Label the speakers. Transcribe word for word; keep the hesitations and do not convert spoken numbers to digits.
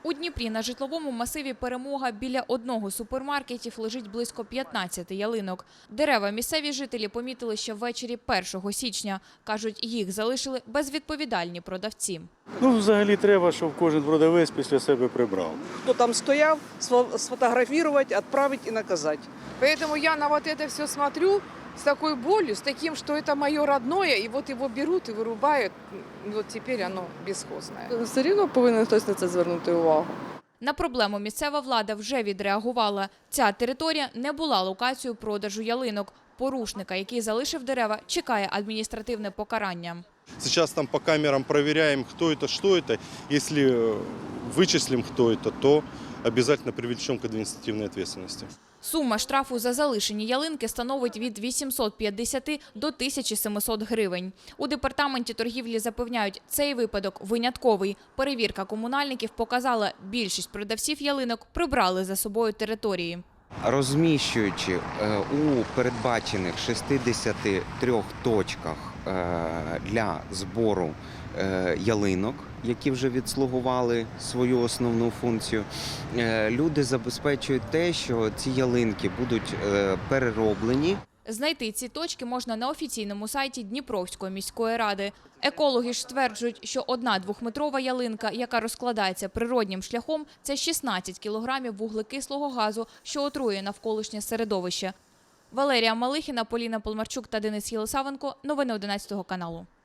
Speaker 1: У Дніпрі на житловому масиві «Перемога» біля одного з супермаркетів лежить близько п'ятнадцяти ялинок. Дерева місцеві жителі помітили ще ввечері першого січня. Кажуть, їх залишили безвідповідальні продавці.
Speaker 2: Ну, взагалі треба, щоб кожен продавець після себе прибрав.
Speaker 3: Хто там стояв, сфотографувати, відправити і наказати.
Speaker 4: Поэтому я на вот это все смотрю с такой болью, с таким, что это мое родное, и вот его берут и вырубают. Вот теперь оно бесхозное.
Speaker 5: Все рівно повинен хтось на це звернути увагу.
Speaker 1: На проблему місцева влада вже відреагувала. Ця територія не була локацією продажу ялинок. Порушника, який залишив дерева, чекає адміністративне покарання.
Speaker 6: Сейчас там по камерам проверяем, кто это, что это. Если вычислим, кто это, то обязательно привлечем к административной ответственности.
Speaker 1: Сума штрафу за залишені ялинки становить від вісімсот п'ятдесяти до тисячі семисот гривень. У департаменті торгівлі запевняють, цей випадок винятковий. Перевірка комунальників показала, більшість продавців ялинок прибрали за собою території.
Speaker 7: Розміщуючи у передбачених шістдесяти трьох точках для збору ялинок, які вже відслугували свою основну функцію, люди забезпечують те, що ці ялинки будуть перероблені.
Speaker 1: Знайти ці точки можна на офіційному сайті Дніпровської міської ради. Екологи ж стверджують, що одна двохметрова ялинка, яка розкладається природнім шляхом, це шістнадцять кілограмів вуглекислого газу, що отруює навколишнє середовище. Валерія Малихіна, Поліна Полмарчук та Денис Єлисавенко. Новини одинадцятого каналу.